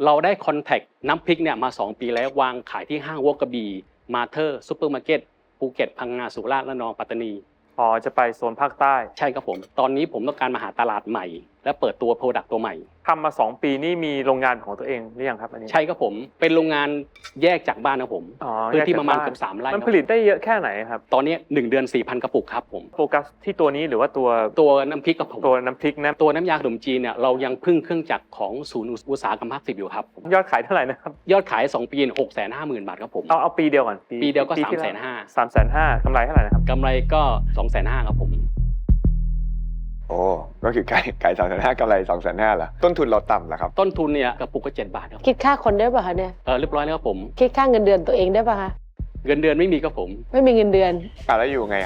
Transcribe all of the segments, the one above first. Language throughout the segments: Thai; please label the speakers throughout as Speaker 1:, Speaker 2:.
Speaker 1: เราได้คอนแทคน้ำพริกเนี่ยมา2 ปีแล้ววางขายที่ห้างวอกกระบี่มาเธอร์ซุปเปอร์มาร์เก็ตภูเก็ตพังงาสุราษฎร์ระนองปัตตานี
Speaker 2: อ๋อจะไปโซนภาคใต้
Speaker 1: ใช่ครับผมตอนนี้ผมต้องการมาหาตลาดใหม่และเปิดตัวโปรดักต์ตัวใหม่
Speaker 2: ทำมา2 ปีนี่มีโรงงานของตัวเองหรือยังครับอันนี้
Speaker 1: ใช่ครับผมเป็นโรงงานแยกจากบ้านครับผมพื้นที่ประมาณเกือบ3 ไร่
Speaker 2: มันผลิตได้เยอะแค่ไหนครับ
Speaker 1: ตอนนี้1 เดือน 4,000 กระปุกครับผม
Speaker 2: โฟกัสที่ตัวนี้หรือว่า
Speaker 1: ตัวน้ำพริกครับผม
Speaker 2: ตัวน้ำพริกนะ
Speaker 1: ตัวน้ำยาขนมจีนเนี่ยเรายังพึ่งเครื่องจักรของศูนย์อุตสาหกรรมภาค 10อยู่ครับ
Speaker 2: ยอดขายเท่าไหร่นะครับ
Speaker 1: ยอดขาย2 ปี 650,000 บาทครับผม
Speaker 2: เอาปีเดียวก่อน
Speaker 1: ปีเดียวก็
Speaker 2: 350,000กำไรเท่าไหร่นะครับ
Speaker 1: กำไรก็250,000ครับผม
Speaker 3: โอ้ก็คือขาย250,000กำไร250,000เหรอต้นทุนเราต่ำเหรอครับ
Speaker 1: ต้นทุนเนี่ยกระปุกก็7 บาทครับ
Speaker 4: คิดค่าคนได้ป่ะคะเนี่ย
Speaker 1: เรียบร้อยแล้วครับผม
Speaker 4: คิดค่าเงินเดือนตัวเองได้ป่ะคะ
Speaker 1: เงินเดือนไม่มีครับผม
Speaker 4: ไม่มีเงินเดือน
Speaker 3: แล้วอยู่ไง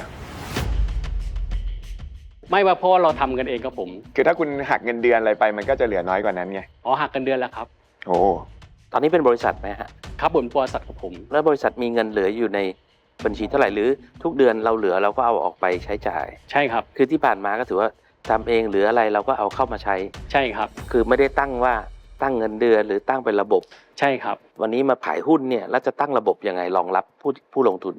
Speaker 1: ไม่ว่าเพราะเราทำกันเองครับผม
Speaker 3: คือถ้าคุณหักเงินเดือนอะไรไปมันก็จะเหลือน้อยกว่านั้นไง
Speaker 1: หักเงินเดือนแล้วครับ
Speaker 3: โอ้
Speaker 5: ตอนนี้เป็นบริษัทไหมฮะ
Speaker 1: ครับบริษัทของผม
Speaker 5: แล้วบริษัทมีเงินเหลืออยู่ในบัญชีเท่าไหร่หรือทุกเดือนเราเหลือเราก็เอาออกไปใช้จ่าย
Speaker 1: ใช่ครับ
Speaker 5: คือที่ผ่านมาก็ถือว่าทำเองหรืออะไรเราก็เอาเข้ามาใช้
Speaker 1: ใช่ครับ
Speaker 5: คือไม่ได้ตั้งว่าตั้งเงินเดือนหรือตั้งเป็นระบบ
Speaker 1: ใช่ครับ
Speaker 5: วันนี้มาขายหุ้นเนี่ยแล้วจะตั้งระบบยังไงรองรับผู้ลงทุน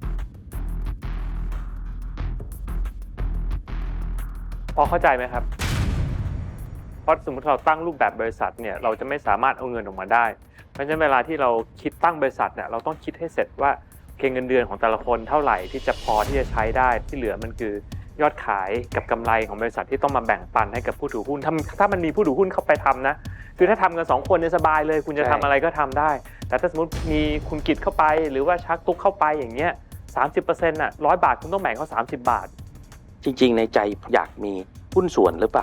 Speaker 2: พอเข้าใจไหมครับเพราะสมมติเราตั้งรูปแบบบริษัทเนี่ยเราจะไม่สามารถเอาเงินออกมาได้เพราะฉะนั้นเวลาที่เราคิดตั้งบริษัทเนี่ยเราต้องคิดให้เสร็จว่าเงินเดือนของแต่ละคนเท่าไหร่ที่จะพอที่จะใช้ได้ที่เหลือมันคือยอดขายกับกำไรของบริษัทที่ต้องมาแบ่งปันให้กับผู้ถือหุ้นถ้ามันมีผู้ถือหุ้นเข้าไปทำนะคือถ้าทำกัน2 คนเนี่ยสบายเลยคุณจะทำอะไรก็ทำได้แต่ถ้าสมมติมีคุณกิจเข้าไปหรือว่าชักตุ๊กเข้าไปอย่างเงี้ย 30% น่ะ100 บาทคุณต้องแบ่งเขา30 บาท
Speaker 5: จริงๆในใจอยากมีหุ้นส่วนหรือเปล่า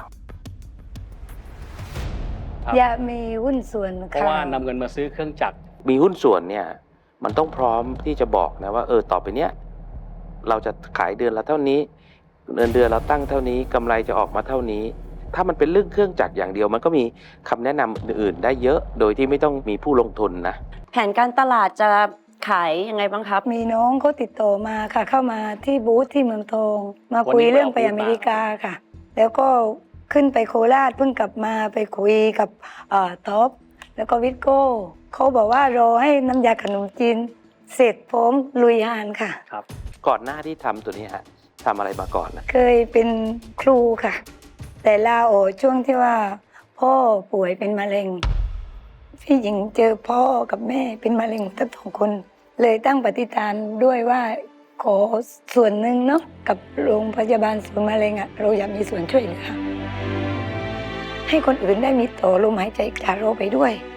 Speaker 6: อยากมีหุ้นส่วน
Speaker 1: เพราะว่านำเงินมาซื้อเครื่องจักร
Speaker 5: มีหุ้นส่วนเนี่ยมันต้องพร้อมที่จะบอกนะว่าต่อไปเนี้ยเราจะขายเดือนละเท่านี้เดือนเราตั้งเท่านี้กำไรจะออกมาเท่านี้ถ้ามันเป็นเรื่องเครื่องจักรอย่างเดียวมันก็มีคำแนะนำอื่นๆได้เยอะโดยที่ไม่ต้องมีผู้ลงทุนนะ
Speaker 6: แผนการตลาดจะขายยังไงบ้างครับมีน้องเขาติดต่อมาค่ะเข้ามาที่บูธที่เมืองทองมาคุยเรื่องไปอเมริกาค่ะแล้วก็ขึ้นไปโคราชเพิ่งกลับมาไปคุยกับท็อปแล้วก็วิทโก้เขาบอกว่ารอให้น้ำยาขนมจีนเสร็จพร้อมลุยงานค่ะ
Speaker 5: ครับก่อนหน้าที่ทำตัวนี้ฮะทำอะไรมาก่อนนะ
Speaker 6: เคยเป็นครูค่ะแต่ลาออกช่วงที่ว่าพ่อป่วยเป็นมะเร็งพี่หญิงเจอพ่อกับแม่เป็นมะเร็งทั้ง2 คนเลยตั้งปฏิฐานด้วยว่าขอส่วนหนึ่งเนาะกับโรงพยาบาลศูนย์มะเร็งเราอยากมีส่วนช่วยเหลือให้คนอื่นได้มีต่อลมหายใจจากเราไปด้วย